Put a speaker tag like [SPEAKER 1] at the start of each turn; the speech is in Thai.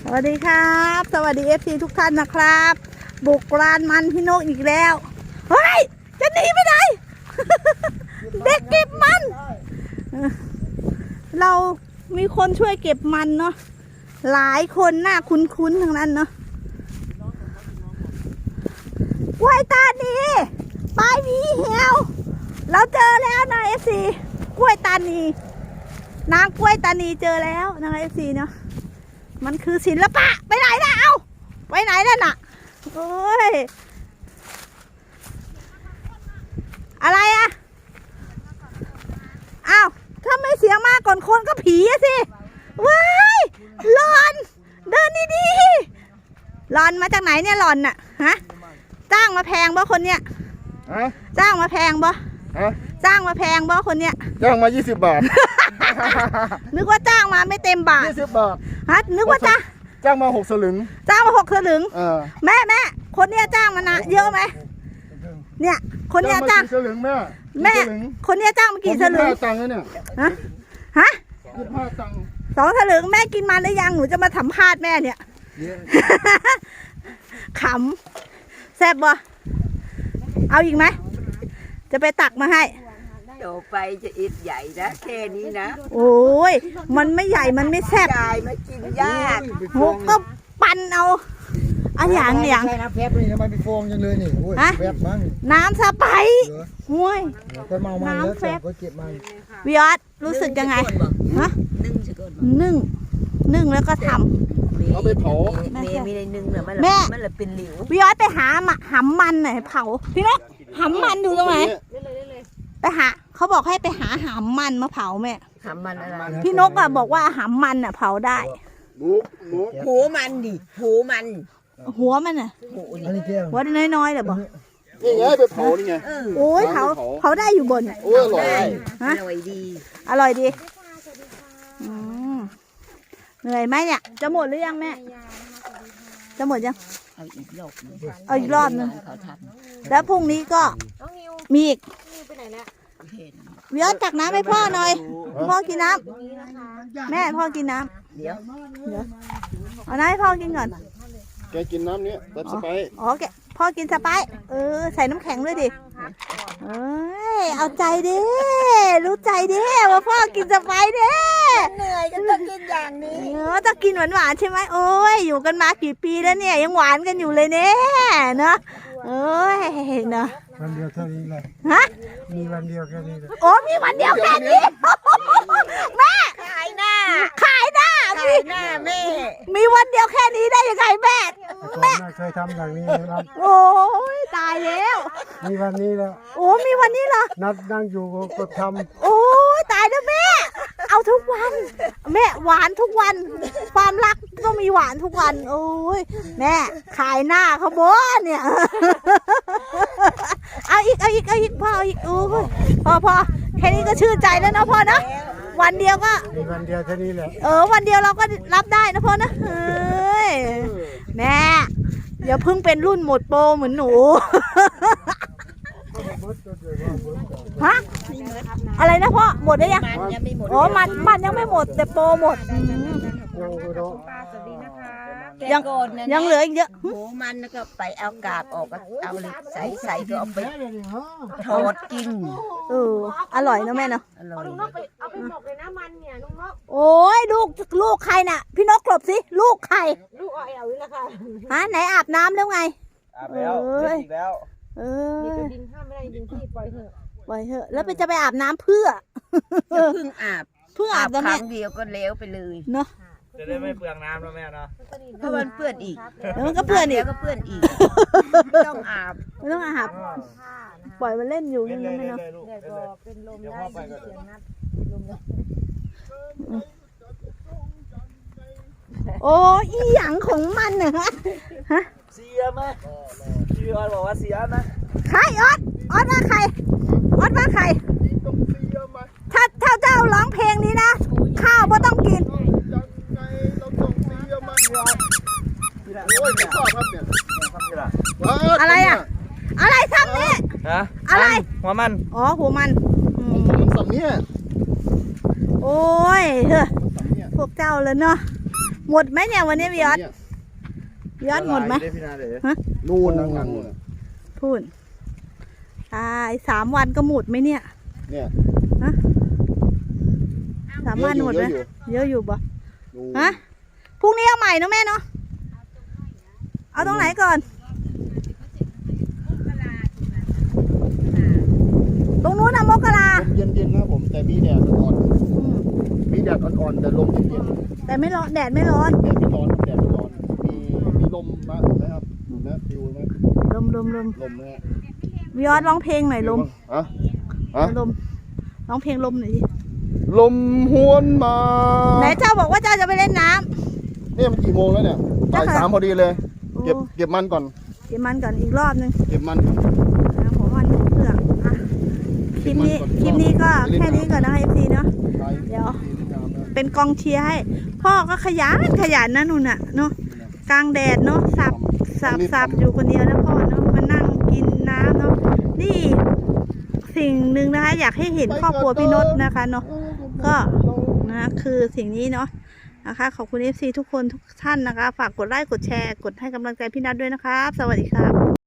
[SPEAKER 1] วัสดีครับสวัสดีFCทุกท่านนะครับ บุกร้านมันพี่นกอีกแล้วเฮ้ยจะหนีไปไหน เด็กเก็บมันเรามีคนช่วยเก็บมันเนาะหลายคนหน้าคุ้นๆทั้งนั้นเนาะกล้วยตานีปลายวีเหี่ยวเราเจอแล้วนะ FC กล้วยตานีนางกล้วยตานีเจอแล้วนะ FC เนาะมันคือศิลปะไปไหนล่ะเอาไปไหนล่ะน่ะโอ้ยอะไรอะอ้าวถ้าไม่เสียงมากก่อนคนก็ผีอะสิว้ายหลอนเดินดีๆหลอนมาจากไหนเนี่ยหลอนน่ะฮะจ้างมาแพงบ่คนเนี้ยจ้างมาแพงบ่จ้างมาแพงบ่คนเนี้ย
[SPEAKER 2] จ้างมา20 บาท
[SPEAKER 1] นึกว่าจ้างมาไม่เต็มบาท
[SPEAKER 2] 20 บาท
[SPEAKER 1] ฮะนึกว่า
[SPEAKER 2] จ้างมา6 สลึง
[SPEAKER 1] จ้างมา6 สลึงแม่คนเนี้ยจ้างมานะเยอะไหมเนี่ยคนเนี้ยจ้าง
[SPEAKER 2] สลึงแม่
[SPEAKER 1] คนเนี้ยจ้างมากี่สลึง
[SPEAKER 2] ตังค์เนี่ย
[SPEAKER 1] ฮะ
[SPEAKER 2] 25 ตังค์
[SPEAKER 1] 2 สลึงแม่กินมันหรือยังหนูจะมาสัมภาษณ์แม่เนี่ยขำแซ่บบ่เอาอีกไหมจะไปตักมาให้
[SPEAKER 3] โตไปจะอิดใหญ่นะแค่นี้นะ
[SPEAKER 1] โอ้ยมันไม่ใหญ่มันไม่แซ่บ
[SPEAKER 3] ใหญ่ไม่กินยาก
[SPEAKER 1] โหก็ปั่นเอาอันอย่าง
[SPEAKER 2] ใช่น้ำแพบนี่ทำไมมีฟองยังเลยนี่โอ้ยแพบมั้ง
[SPEAKER 1] น้ำสไปห้วย
[SPEAKER 2] ก็เมามันแล้วก็เก็บมัน
[SPEAKER 1] วิออสรู้สึกยังไงฮะนึ่งแล้วก็ทำ
[SPEAKER 2] เอาไปเผา
[SPEAKER 3] ไม่ได้นึ่งเลยมันเลยเป็นหลิว
[SPEAKER 1] วิออสไปหาหำมันหน่อยเผาพี่นกหำมันอยู่ตรงไหนไปหาเขาบอกให้ไปหาหำมันมาเผาแม่
[SPEAKER 3] หำมันอะไร
[SPEAKER 1] พี่นกอะบอกว่าหำมันอะเผาได้
[SPEAKER 3] หูมันดิหูมัน
[SPEAKER 1] หัวมันอะหัวน้อยๆเลยบอก
[SPEAKER 2] นี่ไงไปเผานี่ไง
[SPEAKER 1] โอ้ยเผาได้อยู่บน
[SPEAKER 2] โอ้ยอร่อย
[SPEAKER 3] อร่อยดี
[SPEAKER 1] อร่อยดีเหนื่อยไหมเนี่ยจะหมดหรือยังแม่จะหมดยัง
[SPEAKER 3] เอาอีกร
[SPEAKER 1] อบนึงแล้วพรุ่งนี้ก็มีอีกวิออสตักน้ำให้พ่อหน่อยพ่อกินน้ำแม่พ่อกินน้ำเดี๋ยวเอาน้ำให้พ่อกินก่อน
[SPEAKER 2] แกกินน้ำนี้แบบสไป
[SPEAKER 1] อ๋อแกพ่อกินสไปใส่น้ำแข็งด้วยดิเอาใจดิรู้ใจดิว่าพ่อกินสไปดิ
[SPEAKER 3] เหนื่อยก็ต้องกินอย่างนี้
[SPEAKER 1] ต้องกินหวานใช่ไหมโอ้ยอยู่กันมากี่ปีแล้วเนี่ยยังหวานกันอยู่เลยเนี่ยเนาะเนาะ
[SPEAKER 2] วันเดียวเท่านี้เลย
[SPEAKER 1] ฮะ
[SPEAKER 2] มีวันเดียวแค่นี้
[SPEAKER 1] โอ้มีวันเดียวแค่นี้แม่
[SPEAKER 3] ขายหน้า
[SPEAKER 1] แม่มีวันเดียวแค่นี้ได้ยังไงแม่
[SPEAKER 2] เคยทำอย่างนี้ครับ
[SPEAKER 1] โอ้ยตายแล้ว
[SPEAKER 2] มีวันนี้แล้ว
[SPEAKER 1] โอ้มีวันนี้เหรอ
[SPEAKER 2] นัดนั่งอยู่ก็ท
[SPEAKER 1] ำโอ้ยตายแล้วแม่เอาทุกวันแม่หวานทุกวันความรักก็มีหวานทุกวันโอ้ยแม่ขายหน้าเขาบ่เนี่ยเอาอีกพ่อเอาอีกพอแค่นี้ก็ชื่นใจแล้วนะพ่อนะวันเดียวก็
[SPEAKER 2] มีวันเดียวแค่นี้แหละ
[SPEAKER 1] วันเดียวเราก็รับได้นะพ่อนะแม่อย่าเพิ่งเป็นรุ่นหมดโปรเหมือนหนูฮะอะไรนะพ่อหมดได้ยังอ๋อมันยังไม่หมดแต่โปรหมดยังเหลืออีกเยอะ
[SPEAKER 3] หูมันแล้วก็ไปเอากากออกก็เอาใส่ก็เอาไปทอดกิน
[SPEAKER 1] อร่อยนะแม่เนาะ
[SPEAKER 3] อร่อย
[SPEAKER 4] ลุงนกไปเอาไปหมกเลยนะมันเนี่ยลุงนก
[SPEAKER 1] โอ้ยลูกใครน่ะพี่นกกลบสิลูกใคร
[SPEAKER 4] ลูกเอานี่แหละค่ะ
[SPEAKER 1] ไหนอาบน้ำแล้วไง
[SPEAKER 2] อาบแล้วอีกแล้ว
[SPEAKER 4] นี่ก็ดินห้ามไม่ได้ดินที่ปล่อยเถ
[SPEAKER 1] อะแล้วจะไปอาบน้ำเพื่อ
[SPEAKER 3] เพิ่งอาบครั้งเดียวก็เล้วไปเลย
[SPEAKER 1] เนาะ
[SPEAKER 2] จะได้ไม่เปลืองน้ำแล้วแม่เนาะ
[SPEAKER 3] เพราะมันเปื้อนอีก
[SPEAKER 1] แล้วมันก็เปื้อนอีก
[SPEAKER 3] ต้องอาบ
[SPEAKER 1] ปล่อยมันเล่นอยู่นี่ไม่เนาะ
[SPEAKER 4] เป็นลมได้เสียงนัดลม
[SPEAKER 1] โอ้อีหยังของมันเหรอฮะ
[SPEAKER 2] เสียไหมพี่ออสบอกว่าเสียไหม
[SPEAKER 1] ใครออสว่าใครถ้าเจ้าร้องเพลงนี้นะข้าวก็ต้องกินอะไรอ่ะอะไรซ้ำนี่อะไร
[SPEAKER 2] หัวมัน
[SPEAKER 1] อ๋อหัวมัน
[SPEAKER 2] ซ้ำเนี่ย
[SPEAKER 1] โอ้ยพวกเจ้าเลยเนาะหมดไหมเนี่ยวันนี้พี่ยอดพี่ยอดหมดไหม ฮะ
[SPEAKER 5] นู่นนั่งนู่นน่ะ
[SPEAKER 1] พูดอีก3 วันก็หมดไหมเนี่ย
[SPEAKER 5] เนี่ย
[SPEAKER 1] 3 วันหมดไหม
[SPEAKER 5] เยอะอยู่
[SPEAKER 1] เยอะอยู่ปะ
[SPEAKER 5] นู่น
[SPEAKER 1] ฮะพรุ่งนี้เอาใหม่เนอะแม่เนาะเอาตรงไหนก่อน ตรงนู้นนะมกรา
[SPEAKER 5] ลมเย็นๆนะผมแต่มีแดดอ่อน
[SPEAKER 1] อืม
[SPEAKER 5] ๆมีแดดอ่อนๆแต่ลมเย็น
[SPEAKER 1] แต่ไม่ร้อนแดดไม่ร้อน
[SPEAKER 5] ๆแดดไม่ร้อนครับแดดไม่ร้อนมีลมมาไหมครับนะฟิวไหม
[SPEAKER 1] ลม
[SPEAKER 5] ลมนะฮะ
[SPEAKER 1] วิออสร้องเพลงหน่อยลม
[SPEAKER 5] อะอะ
[SPEAKER 1] ลมร้องเพลงลมหน่อยดิ
[SPEAKER 5] ลมหวนมา
[SPEAKER 1] ไหนเจ้าบอกว่าเจ้าจะไปเล่นน้ำ
[SPEAKER 5] เนี่ยมันกี่โมงแล้วเนี่ยบ่าย 3พอดีเลย
[SPEAKER 1] โอ้
[SPEAKER 5] เก็บมันก่อน
[SPEAKER 1] เก็บมันก่อนอีกรอบนึง
[SPEAKER 5] เก็บมันก่อน
[SPEAKER 1] นะผมมันเปลือกอ่ะคลิปนี้ก็แค่นี้ก่อนนะคะ FC เนาะ
[SPEAKER 5] ไป
[SPEAKER 1] เดี๋ยว
[SPEAKER 5] ดีงามนะ
[SPEAKER 1] เป็นกองเชียร์ให้ พ่อก็ขยันนะนุ่นน่ะเนาะกลางแดดเนาะสับอยู่คนเดียวนะพ่อเนาะมานั่งกินน้ำเนาะนี่สิ่งหนึ่งนะคะ อยากให้เห็นครอบครัวพี่นศนะคะเนาะก็นะคือสิ่งนี้เนาะนะคะขอบคุณ FC ทุกคนทุกท่านนะคะ ฝากกดไลค์กดแชร์กดให้กำลังใจพี่นัทด้วยนะครับ สวัสดีครับ